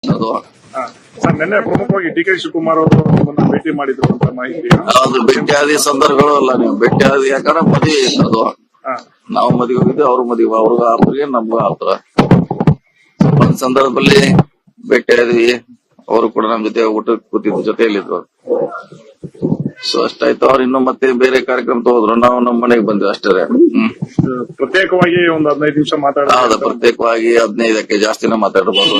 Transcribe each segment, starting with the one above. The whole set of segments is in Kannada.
ಅದು ಸರ್ ನಿನ್ನೆ ಪ್ರಮುಖವಾಗಿ ಡಿ.ಕೆ. ಶಿವಕುಮಾರ್ ಅವರು ನಿಮ್ಮನ್ನ ಭೇಟಿ ಮಾಡಿದ್ರು ಅಂತ ಮಾಹಿತಿ. ಅದು ಭೇಟಿಯಾದಿ ಸಂದರ್ಭಗಳು ಅಲ್ಲ, ನೀವು ಭೇಟಿಯಾದಿ ಯಾಕಂದ್ರೆ ಮದುವೆ ಇತ್ತು ಅದು. ನಾವು ಮದುವೆ ಹೋಗಿದ್ದೆ, ಅವ್ರ ಮದುವೆ, ಅವ್ರಿಗೂ ಆಪ್ರಿಗೆ ನಮ್ಗೂ ಆತರ ಒಂದ್ ಸಂದರ್ಭದಲ್ಲಿ ಭೇಟಿಯಾದ್ವಿ. ಅವರು ಕೂಡ ನಮ್ ಜೊತೆ ಊಟ ಕೂತಿದ್ರು, ಜೊತೆಯಲ್ಲಿದ್ರು. ಸೊ ಅಷ್ಟಾಯ್ತು. ಅವ್ರು ಇನ್ನು ಮತ್ತೆ ಬೇರೆ ಕಾರ್ಯಕ್ರಮ ತಗೋದ್ರು, ನಾವು ನಮ್ಮ ಮನೆಗೆ ಬಂದ್ವಿ ಅಷ್ಟೇ. ಪ್ರತ್ಯೇಕವಾಗಿ ಒಂದು 15 ನಿಮಿಷ ಹೌದಾ, ಪ್ರತ್ಯೇಕವಾಗಿ 15ಕ್ಕೆ ಜಾಸ್ತಿನೇ ಮಾತಾಡಬಹುದು.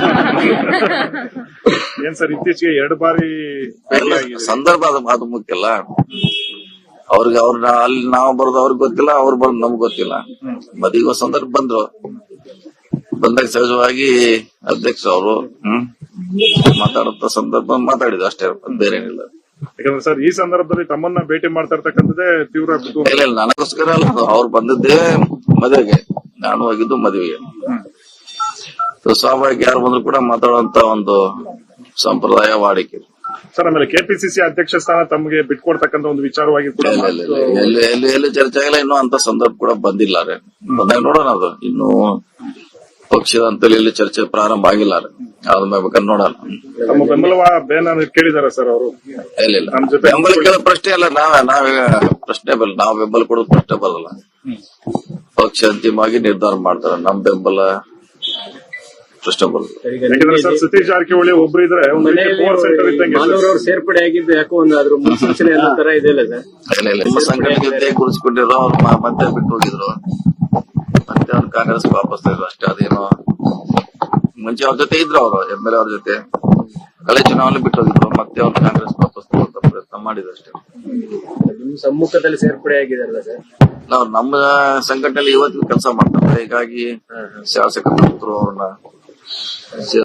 ಏನ್ ಸರ್ ಇತ್ತೀಚೆಗೆ 2 ಬಾರಿ ಸಂದರ್ಭ ಅದು ಮುಖ್ಯ ಅಲ್ಲ. ಅವ್ರಿಗೆ ಅಲ್ಲಿ ನಾವು ಬರೋದು ಅವ್ರಿಗೆ ಗೊತ್ತಿಲ್ಲ, ಅವ್ರು ಬರೋದು ನಮ್ಗೆ ಗೊತ್ತಿಲ್ಲ. ಮದುವೆ ಸಂದರ್ಭ ಬಂದಾಗ ಸಹಜವಾಗಿ ಅಧ್ಯಕ್ಷ ಅವರು ಮಾತಾಡುತ್ತ ಸಂದರ್ಭ ಮಾತಾಡಿದ್ರು ಅಷ್ಟೇ, ಬೇರೆ ಏನಿಲ್ಲ. ಯಾಕಂದ್ರೆ ಸರ್ ಈ ಸಂದರ್ಭದಲ್ಲಿ ತಮ್ಮನ್ನ ಭೇಟಿ ಮಾಡ್ತಾ ಇರ್ತಕ್ಕಂಥದ್ದೇ ತೀವ್ರ ಇಲ್ಲ, ನನಗೋಸ್ಕರ ಅಲ್ಲ, ಅವ್ರು ಬಂದಿದ್ದೇ ಮದುವೆಗೆ, ನಾನು ಹೋಗಿದ್ದು ಮದುವೆಗೆ. ಸ್ವಾಭಾವಿಕ ಯಾರು ಬಂದ್ರು ಕೂಡ ಮಾತಾಡುವಂತ ಒಂದು ಸಂಪ್ರದಾಯ ವಾಡಿಕೆ. ಸರ್ ಆಮೇಲೆ ಕೆಪಿಸಿಸಿ ಅಧ್ಯಕ್ಷ ಸ್ಥಾನ ತಮಗೆ ಬಿಟ್ಕೊಡ್ತಕ್ಕಂಥ ಒಂದು ವಿಚಾರವಾಗಿ ಕೂಡ ಎಲ್ಲಿ ಚರ್ಚೆ ಆಗಿಲ್ಲ, ಇನ್ನೂ ಅಂತ ಸಂದರ್ಭ ಕೂಡ ಬಂದಿಲ್ಲ. ಬಂದಾಗ ನೋಡೋಣ. ಅದು ಇನ್ನು ಪಕ್ಷದ ಅಂತೇಳಿ ಇಲ್ಲಿ ಚರ್ಚೆ ಪ್ರಾರಂಭ ಆಗಿಲ್ಲ. ಆದ್ಮೇಲೆ ಬೇಕಾದ್ರೆ ನೋಡೋಣ. ತಮ್ಮ ಬೆಂಬಲ ಕೇಳಿದಾರೆ ಸರ್ ಅವರು? ಇಲ್ಲ, ಬೆಂಬಲ ಕೇಳೋ ಪ್ರಶ್ನೆ ಅಲ್ಲ. ನಾವೇ ಪ್ರಶ್ನೆ ಬರಲ್ಲ, ನಾವು ಬೆಂಬಲ ಕೊಡೋದು ಪ್ರಶ್ನೆ ಬರಲ್ಲ. ಪಕ್ಷ ಅಂತಿಮವಾಗಿ ನಿರ್ಧಾರ ಮಾಡ್ತಾರೆ. ನಮ್ ಬೆಂಬಲ ಪ್ರಶ್ನೆ ಬರಲ್ಲ. ಯಾಕಂದ್ರೆ ಸರ್ ಸತೀಶ್ ಜಾರಕಿಹೊಳಿ ಒಬ್ರು ಇದ್ರೆ ಸೇರ್ಪಡೆ ಆಗಿದ್ದು ಯಾಕೋ ಒಂದಾದ್ರು ಮುನ್ಸೂಚನೆ ತರ ಇದೆಯಲ್ಲ ಸರ್? ಇಲ್ಲ, ನಿಮ್ಮ ಸಂಘಟನೆ ಗುರುಸ್ಕೊಂಡಿರೋ ಅವ್ರು ಮತ್ತೆ ಬಿಟ್ಟು ಹೋಗಿದ್ರು. ಮತ್ತೆ ಅವ್ರು ಕಾಂಗ್ರೆಸ್ ವಾಪಸ್ ಇದ್ರು ಅಷ್ಟೇ. ಅದೇನೋ ಮುಂಚೆ ಅವ್ರ ಜೊತೆ ಇದ್ರು, ಅವರು MLA ಅವ್ರ ಜೊತೆ ಕಳೆ ಚುನಾವಣೆ ಬಿಟ್ಟು ಹೋಗಿದ್ರು. ಮತ್ತೆ ಅವ್ರು ಕಾಂಗ್ರೆಸ್ ವಾಪಸ್ ತಗೊಂಡ ಪ್ರಯತ್ನ ಮಾಡಿದ್ರು ಅಷ್ಟೇ. ನಿಮ್ ಸಮ್ಮುಖದಲ್ಲಿ ಸೇರ್ಪಡೆ ಆಗಿದಾರಲ್ಲ ಸರ್? ನಾವು ನಮ್ಮ ಸಂಘಟನೆಯಲ್ಲಿ ಇವತ್ತಿನ ಕೆಲಸ ಮಾಡ್ತಾರೆ. ಹೀಗಾಗಿ ಶಾಸಕರು ಅವ್ರನ್ನ